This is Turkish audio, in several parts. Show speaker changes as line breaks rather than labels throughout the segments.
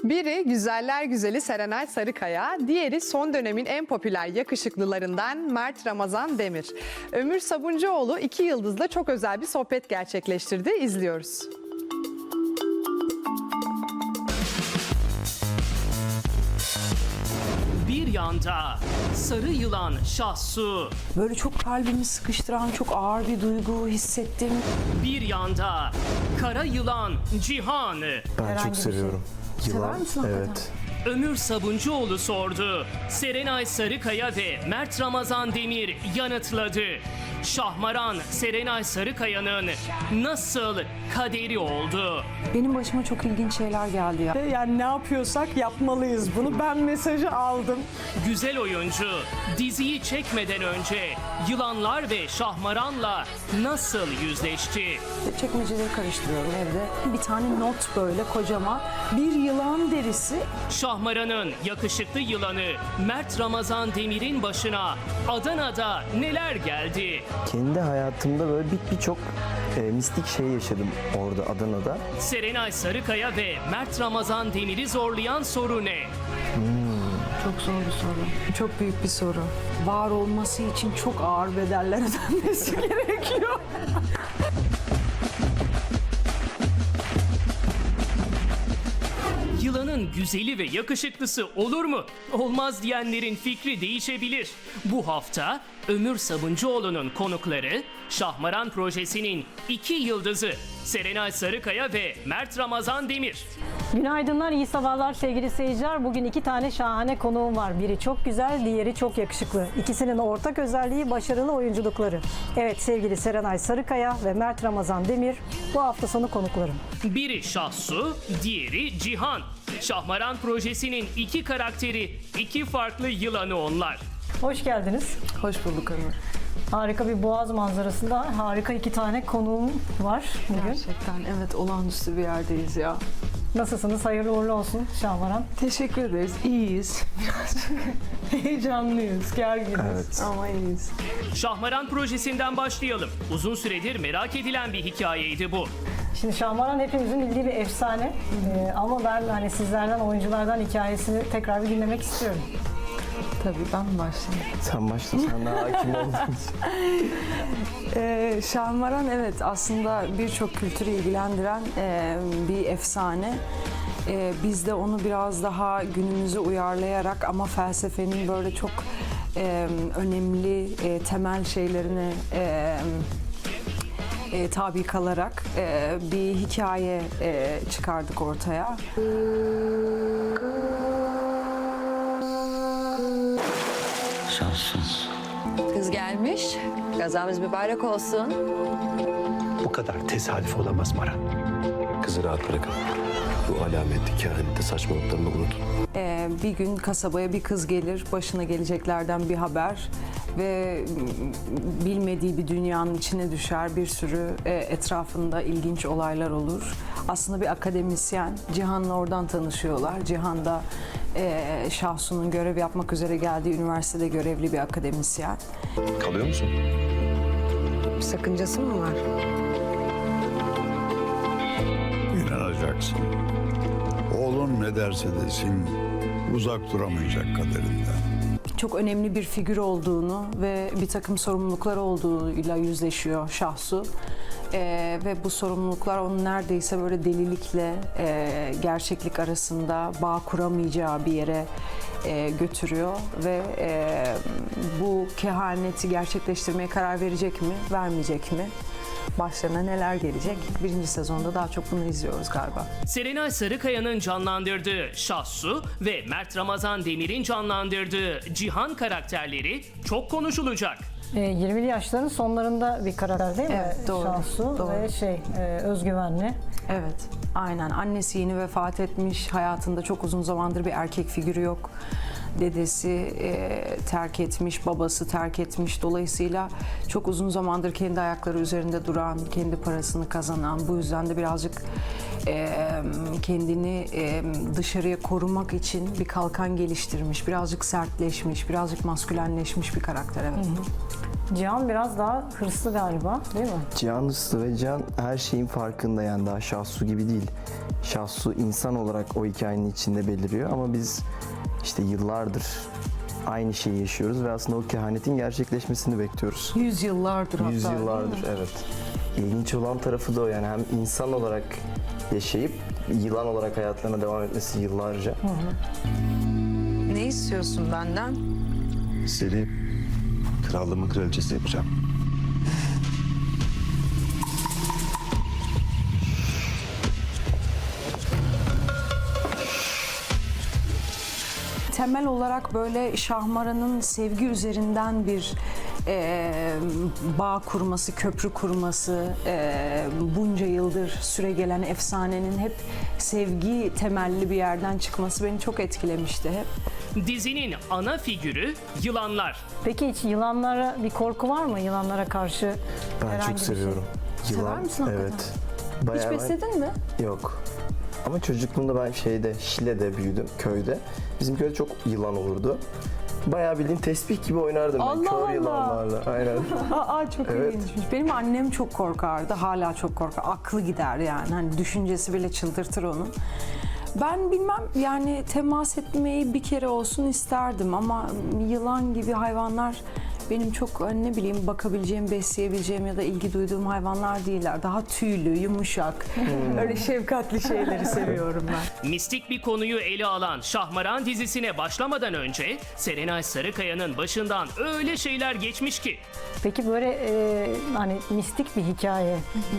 Biri güzeller güzeli Serenay Sarıkaya, diğeri son dönemin en popüler yakışıklılarından Mert Ramazan Demir. Ömür Sabuncuoğlu iki yıldızla çok özel bir sohbet gerçekleştirdi. İzliyoruz.
Bir yanda sarı yılan Şahsu,
Böyle çok kalbimi sıkıştıran çok ağır bir duygu hissettim.
bir yanda kara yılan Cihan.
Ben
Herhangi
çok
bir
seviyorum.
Sever misin hakikaten?
Evet.
Ömür Sabuncuoğlu sordu. Serenay Sarıkaya ve Mert Ramazan Demir yanıtladı. Şahmaran Serenay Sarıkaya'nın nasıl kaderi oldu?
Benim başıma çok ilginç şeyler geldi ya.
Yani ne yapıyorsak yapmalıyız bunu. Ben mesajı aldım.
Güzel oyuncu diziyi çekmeden önce yılanlar ve Şahmaran'la nasıl yüzleşti?
Çekmeceleri karıştırıyorum evde. Bir tane not böyle kocaman. Bir yılan derisi.
Şahmaran'ın yakışıklı yılanı Mert Ramazan Demir'in başına Adana'da neler geldi?
Kendi hayatımda böyle birçok mistik şey yaşadım orada Adana'da.
Serenay Sarıkaya ve Mert Ramazan Demir'i zorlayan soru ne?
Çok zor bir soru. Çok büyük bir soru. Var olması için çok ağır bedeller ödenmesi gerekiyor.
Yılanın güzeli ve yakışıklısı olur mu? Olmaz diyenlerin fikri değişebilir. Bu hafta Ömür Sabuncuoğlu'nun konukları Şahmaran projesinin iki yıldızı Serenay Sarıkaya ve Mert Ramazan Demir.
Günaydınlar, iyi sabahlar sevgili seyirciler. Bugün iki tane şahane konuğum var. Biri çok güzel, diğeri çok yakışıklı. İkisinin ortak özelliği başarılı oyunculukları. Evet sevgili Serenay Sarıkaya ve Mert Ramazan Demir bu hafta sonu konuklarım.
Biri Şahsu, diğeri Cihan. Şahmaran projesinin iki karakteri, iki farklı yılanı onlar.
Hoş geldiniz.
Hoş bulduk Ömür.
Harika bir boğaz manzarasında harika iki tane konuğum var bugün.
Gerçekten evet, olağanüstü bir yerdeyiz ya.
Nasılsınız? Hayırlı uğurlu olsun Şahmaran.
Teşekkür ederiz. İyiyiz. Heyecanlıyız, gerginiz
Evet.
ama iyiyiz.
Şahmaran projesinden başlayalım. Uzun süredir merak edilen bir hikayeydi bu.
Şimdi Şahmaran hepimizin bildiği bir efsane. Ama ben hani sizlerden, oyunculardan hikayesini tekrar bir dinlemek istiyorum.
Tabii ben başlayayım.
Sen başla, sen daha hakim olduğun için.
Şahmaran evet aslında birçok kültürü ilgilendiren bir efsane. Biz de onu biraz daha günümüze uyarlayarak ama felsefenin böyle çok önemli temel şeylerine tabi kalarak bir hikaye çıkardık ortaya.
Şanssız.
Kız gelmiş. Gazamız mübarek olsun.
Bu kadar tesadüf olamaz Mara.
Kızı rahat bırakın. Bu alametli kehanette saçmalıklarını unutun.
Bir gün kasabaya bir kız gelir, başına geleceklerden bir haber ve bilmediği bir dünyanın içine düşer. Bir sürü etrafında ilginç olaylar olur. Aslında bir akademisyen, Cihan'la oradan tanışıyorlar. Cihan da Şahsu'nun görev yapmak üzere geldiği üniversitede görevli bir akademisyen.
Kalıyor musun?
Bir sakıncası mı var?
İnanacaksın. Oğlun ne derse desin uzak duramayacak kaderinden.
Çok önemli bir figür olduğunu ve bir takım sorumluluklar olduğuyla yüzleşiyor Şahsu. Ve bu sorumluluklar onu neredeyse böyle delilikle gerçeklik arasında bağ kuramayacağı bir yere götürüyor ve bu kehaneti gerçekleştirmeye karar verecek mi, vermeyecek mi? Başlarına neler gelecek? Birinci sezonda daha çok bunu izliyoruz galiba.
Serenay Sarıkaya'nın canlandırdığı Şahsu ve Mert Ramazan Demir'in canlandırdığı Cihan karakterleri çok konuşulacak.
20'li yaşların sonlarında bir karakter değil mi?
Evet, doğru,
Şahsu
doğru.
ve özgüvenli.
Evet, aynen. Annesi yeni vefat etmiş. Hayatında çok uzun zamandır bir erkek figürü yok. Dedesi terk etmiş, babası terk etmiş. Dolayısıyla çok uzun zamandır kendi ayakları üzerinde duran, kendi parasını kazanan, bu yüzden de birazcık kendini dışarıya korumak için bir kalkan geliştirmiş, birazcık sertleşmiş, birazcık maskülenleşmiş bir karakter. Evet.
Cihan biraz daha hırslı galiba, değil mi?
Cihan hırslı ve Cihan her şeyin farkında, yani daha Şahsu gibi değil. Şahsu insan olarak o hikayenin içinde beliriyor ama biz işte yıllardır aynı şeyi yaşıyoruz ve aslında o kehanetin gerçekleşmesini bekliyoruz.
Yüzyıllardır hatta.
Yüzyıllardır, evet. İlginç olan tarafı da o, yani hem insan olarak yaşayıp yılan olarak hayatlarına devam etmesi yıllarca.
Ne istiyorsun benden?
Seni krallığımın kraliçesi yapacağım.
Temel olarak böyle Şahmaran'ın sevgi üzerinden bir bağ kurması, köprü kurması, bunca yıldır süregelen efsanenin hep sevgi temelli bir yerden çıkması beni çok etkilemişti hep.
Dizinin ana figürü yılanlar.
Peki hiç yılanlara bir korku var mı? Yılanlara karşı
Ben
herhangi
çok
bir şey?
seviyorum.
Sever misin hakikaten?
Evet.
Hiç
Bayağı ben-
besledin mi?
Yok. Ama çocukluğumda ben Şile'de büyüdüm, köyde. Bizim köyde çok yılan olurdu. Bayağı bildiğin tesbih gibi oynardım ben
Allah
kör
Allah.
yılanlarla. Aynen.
Aa çok
Evet.
ilginçmiş. Benim annem çok korkardı. Hala çok korkar. Aklı gider yani. Hani düşüncesi bile çıldırtır onu. Ben bilmem yani temas etmeyi bir kere olsun isterdim ama yılan gibi hayvanlar benim çok ne bileyim bakabileceğim, besleyebileceğim ya da ilgi duyduğum hayvanlar değiller. Daha tüylü, yumuşak, öyle şefkatli şeyleri seviyorum ben.
Mistik bir konuyu ele alan Şahmaran dizisine başlamadan önce Serenay Sarıkaya'nın başından öyle şeyler geçmiş ki.
Peki böyle hani mistik bir hikaye.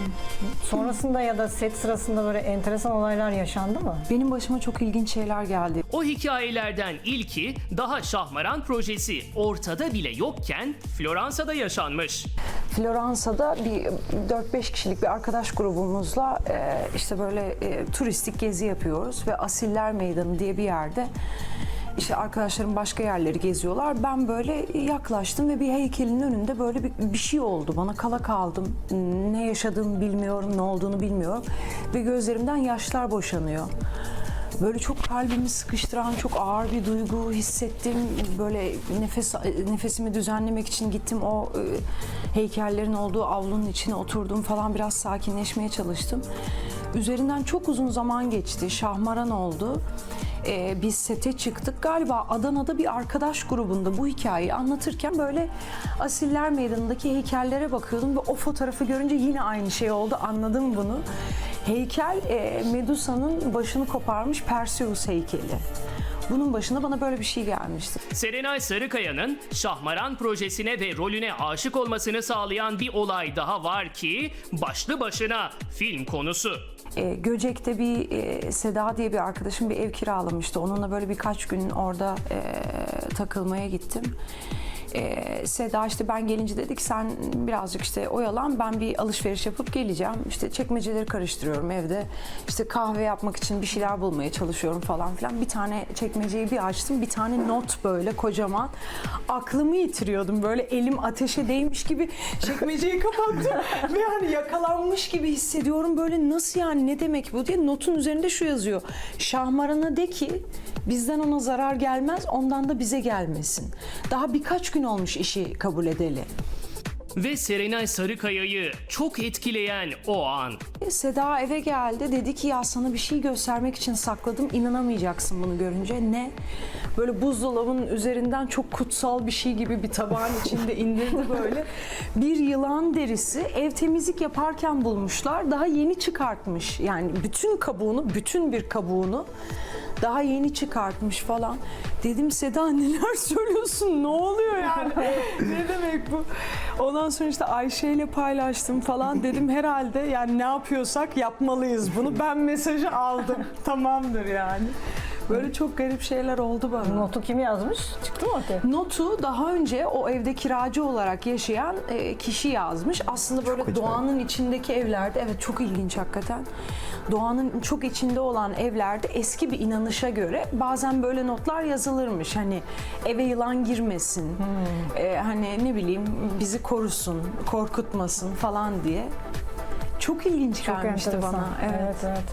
Sonrasında ya da set sırasında böyle enteresan olaylar yaşandı mı?
Benim başıma çok ilginç şeyler geldi.
O hikayelerden ilki daha Şahmaran projesi ortada bile yokken Floransa'da yaşanmış.
Floransa'da bir 4-5 kişilik bir arkadaş grubumuzla işte böyle turistik gezi yapıyoruz ve Asiller Meydanı diye bir yerde işte arkadaşlarım başka yerleri geziyorlar. Ben böyle yaklaştım ve bir heykelin önünde böyle bir şey oldu. Bana kala kaldım. Ne yaşadığımı bilmiyorum, ne olduğunu bilmiyorum ve gözlerimden yaşlar boşanıyor. Böyle çok kalbimi sıkıştıran, çok ağır bir duygu hissettim. Böyle nefesimi düzenlemek için gittim o heykellerin olduğu avlunun içine oturdum falan, biraz sakinleşmeye çalıştım. Üzerinden çok uzun zaman geçti. Şahmaran oldu. Biz sete çıktık. Galiba Adana'da bir arkadaş grubunda bu hikayeyi anlatırken böyle Asiller Meydanı'ndaki heykellere bakıyordum ve o fotoğrafı görünce yine aynı şey oldu. Anladım bunu. Heykel Medusa'nın başını koparmış Perseus heykeli. Bunun başına bana böyle bir şey gelmişti.
Serenay Sarıkaya'nın Şahmaran projesine ve rolüne aşık olmasını sağlayan bir olay daha var ki başlı başına film konusu.
Göcek'te bir Seda diye bir arkadaşım bir ev kiralamıştı. Onunla böyle birkaç gün orada takılmaya gittim. Seda işte ben gelince dedik sen birazcık işte oyalan, ben bir alışveriş yapıp geleceğim. İşte çekmeceleri karıştırıyorum evde. İşte kahve yapmak için bir şeyler bulmaya çalışıyorum falan filan. Bir tane çekmeceyi bir açtım. Bir tane not böyle kocaman. Aklımı yitiriyordum. Böyle elim ateşe değmiş gibi çekmeceyi kapattım. Ve hani yakalanmış gibi hissediyorum. Böyle nasıl yani, ne demek bu diye. Notun üzerinde şu yazıyor. Şahmaran'a de ki bizden ona zarar gelmez, ondan da bize gelmesin. Daha birkaç gün olmuş işi kabul edeli.
Ve Serenay Sarıkaya'yı çok etkileyen o an.
Seda eve geldi, dedi ki ya sana bir şey göstermek için sakladım, inanamayacaksın bunu görünce. Ne? Böyle buzdolabının üzerinden çok kutsal bir şey gibi bir tabağın içinde indirdi böyle. Bir yılan derisi, ev temizlik yaparken bulmuşlar, daha yeni çıkartmış. Yani bütün bir kabuğunu daha yeni çıkartmış falan. Dedim Seda neler söylüyorsun, ne oluyor yani? Ne demek bu? Ondan sonra işte Ayşe ile paylaştım falan, dedim herhalde yani ne yapıyorsak yapmalıyız bunu. Ben mesajı aldım, tamamdır yani. Böyle çok garip şeyler oldu bana.
Notu kim yazmış? Çıktı mı ortaya?
Notu daha önce o evde kiracı olarak yaşayan kişi yazmış. Aslında böyle doğanın içindeki evlerde, evet çok ilginç hakikaten. Doğanın çok içinde olan evlerde eski bir inanışa göre bazen böyle notlar yazılırmış. Hani eve yılan girmesin, hani ne bileyim bizi korusun, korkutmasın falan diye. Çok ilginç
Çok
gelmişti
enteresan.
bana.
Evet.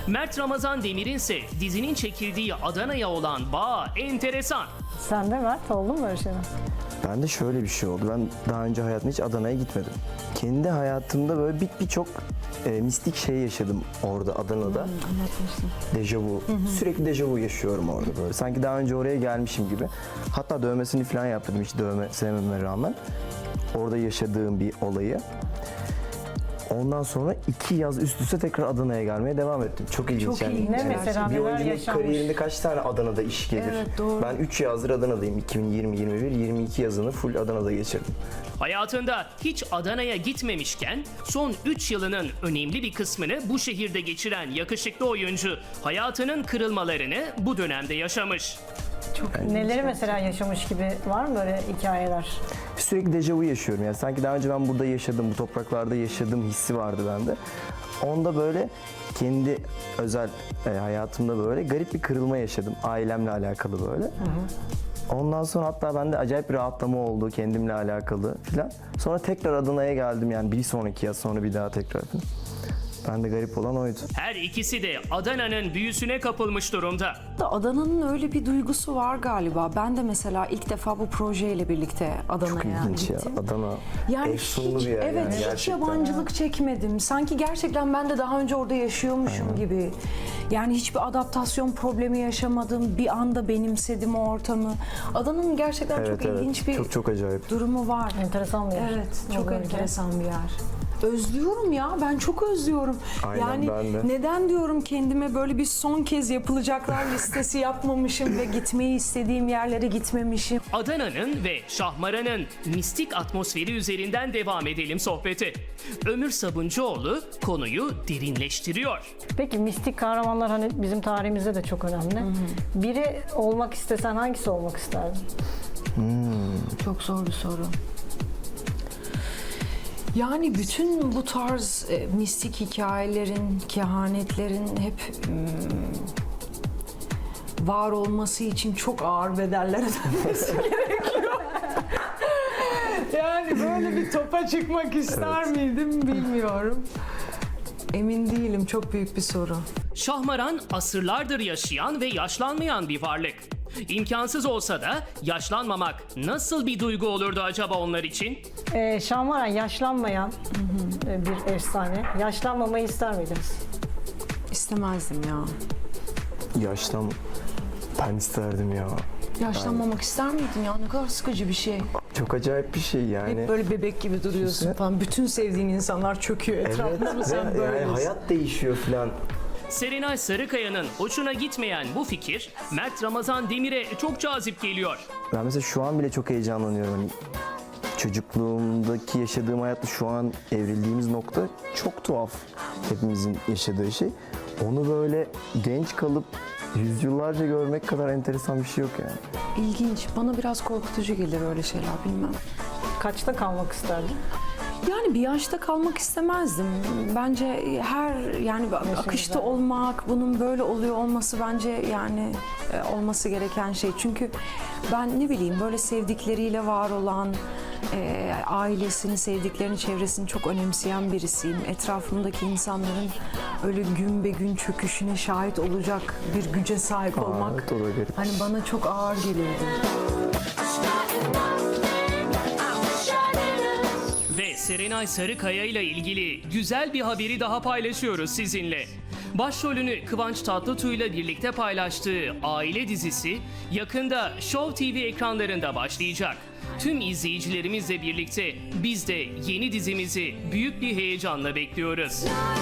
Mert Ramazan Demir'in ise dizinin çekildiği Adana'ya olan bağı enteresan.
Sen de Mert oldu mu böyle şeyler?
Ben de şöyle bir şey oldu. Ben daha önce hayatımda hiç Adana'ya gitmedim. Kendi hayatımda böyle birçok mistik şey yaşadım orada Adana'da.
Anlatmıştım.
Dejavu. Sürekli dejavu yaşıyorum orada böyle. Sanki daha önce oraya gelmişim gibi. Hatta dövmesini falan yaptırdım hiç dövme sevmeme rağmen. Orada yaşadığım bir olayı. Ondan sonra 2 yaz üst üste tekrar Adana'ya gelmeye devam ettim. Çok ilginç.
Çok ilginç.
Ne mesela,
bir
neler
oyuncunun
yaşanmış?
kariyerinde kaç tane Adana'da iş gelir?
Evet, doğru.
Ben 3 yazdır Adana'dayım. 2020, 21, 22 yazını full Adana'da geçirdim.
Hayatında hiç Adana'ya gitmemişken son 3 yılının önemli bir kısmını bu şehirde geçiren yakışıklı oyuncu hayatının kırılmalarını bu dönemde yaşamış.
Neleri mesela yaşamış gibi var mı böyle hikayeler?
Sürekli dejavu yaşıyorum. Yani sanki daha önce ben burada yaşadım, bu topraklarda yaşadığım hissi vardı bende. Onda böyle kendi özel hayatımda böyle garip bir kırılma yaşadım. Ailemle alakalı böyle. Ondan sonra hatta bende acayip bir rahatlama oldu kendimle alakalı filan. Sonra tekrar Adana'ya geldim yani bir sonraki yaz sonra bir daha tekrar. Ben de garip olan oydu.
Her ikisi de Adana'nın büyüsüne kapılmış durumda.
Adana'nın öyle bir duygusu var galiba. Ben de mesela ilk defa bu projeyle birlikte
Çok
Adana'ya
ilginç ya.
gittim.
Adana
Yani
efsunlu
hiç,
bir yer
evet,
yani
hiç
gerçekten.
yabancılık çekmedim. Sanki gerçekten ben de daha önce orada yaşıyormuşum gibi. Yani hiçbir adaptasyon problemi yaşamadım. Bir anda benimsedim o ortamı. Adana'nın gerçekten
Evet,
çok
evet.
ilginç bir
Çok acayip.
durumu var.
Enteresan bir yer.
Evet, çok
Olabilir.
enteresan bir yer. Özlüyorum ya, ben çok özlüyorum.
Aynen,
yani
ben de.
neden diyorum kendime böyle bir son kez yapılacaklar listesi yapmamışım ve gitmeyi istediğim yerlere gitmemişim.
Adana'nın ve Şahmaran'ın mistik atmosferi üzerinden devam edelim sohbete. Ömür Sabuncuoğlu konuyu derinleştiriyor.
Peki mistik kahramanlar hani bizim tarihimizde de çok önemli. Biri olmak istesen hangisi olmak isterdin?
Çok zor bir soru. Yani bütün bu tarz mistik hikayelerin, kehanetlerin hep var olması için çok ağır bedeller ödenmesi gerekiyor. Yani böyle bir topa çıkmak ister miydim bilmiyorum. Emin değilim, çok büyük bir soru.
Şahmaran asırlardır yaşayan ve yaşlanmayan bir varlık. İmkansız olsa da yaşlanmamak nasıl bir duygu olurdu acaba onlar için?
Şahmaran yaşlanmayan bir efsane. Yaşlanmamayı ister miydiniz?
İstemezdim ya.
Ben isterdim ya.
Yaşlanmamak ister miydin ya? Ne kadar sıkıcı bir şey.
Çok acayip bir şey yani.
Hep böyle bebek gibi duruyorsun falan. Bütün sevdiğin insanlar çöküyor etrafında mı sen
ve
böyle?
yani hayat değişiyor filan.
Serenay Sarıkaya'nın hoşuna gitmeyen bu fikir Mert Ramazan Demir'e çok cazip geliyor.
Ben mesela şu an bile çok heyecanlanıyorum. Hani çocukluğumdaki yaşadığım hayatla şu an evrildiğimiz nokta çok tuhaf. Hepimizin yaşadığı şey. Onu böyle genç kalıp yüzyıllarca görmek kadar enteresan bir şey yok yani.
İlginç. Bana biraz korkutucu gelir öyle şeyler, bilmem.
Kaçta kalmak isterdin?
Yani bir yaşta kalmak istemezdim. Bence yani akışta olmak, bunun böyle oluyor olması bence yani olması gereken şey. Çünkü ben ne bileyim böyle sevdikleriyle var olan, ailesini, sevdiklerini, çevresini çok önemseyen birisiyim. Etrafımdaki insanların öyle gün be gün çöküşüne şahit olacak bir güce sahip olmak
Evet, o da garip.
hani bana çok ağır gelirdi.
Ve Serenay Sarıkaya ile ilgili güzel bir haberi daha paylaşıyoruz sizinle. Başrolünü Kıvanç Tatlıtuğ ile birlikte paylaştığı Aile dizisi yakında Show TV ekranlarında başlayacak. Tüm izleyicilerimizle birlikte biz de yeni dizimizi büyük bir heyecanla bekliyoruz.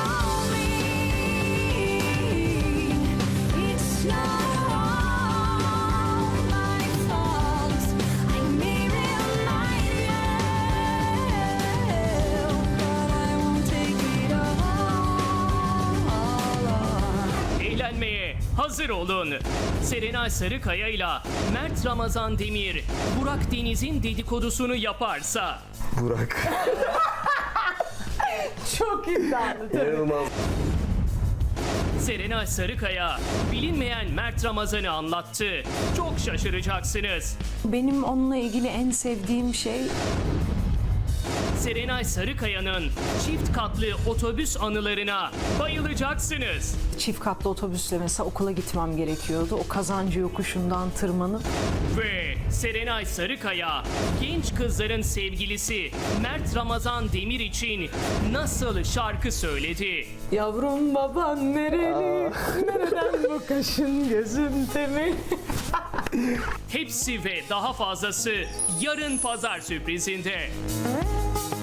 Eğlenmeye hazır olun. Serenay Sarıkaya ile Mert Ramazan Demir, Burak Deniz'in dedikodusunu yaparsa...
Burak.
Çok iddialı.
İnanılmaz.
Serenay Sarıkaya bilinmeyen Mert Ramazan'ı anlattı. Çok şaşıracaksınız.
Benim onunla ilgili en sevdiğim şey
Serenay Sarıkaya'nın çift katlı otobüs anılarına bayılacaksınız.
Çift katlı otobüsle mesela okula gitmem gerekiyordu. O Kazancı yokuşundan tırmanıp
Ve Serenay Sarıkaya genç kızların sevgilisi Mert Ramazan Demir için nasıl şarkı söyledi?
Yavrum baban nereli? Nereden bu kaşın gözün temel?
Hepsi ve daha fazlası yarın pazar sürprizinde.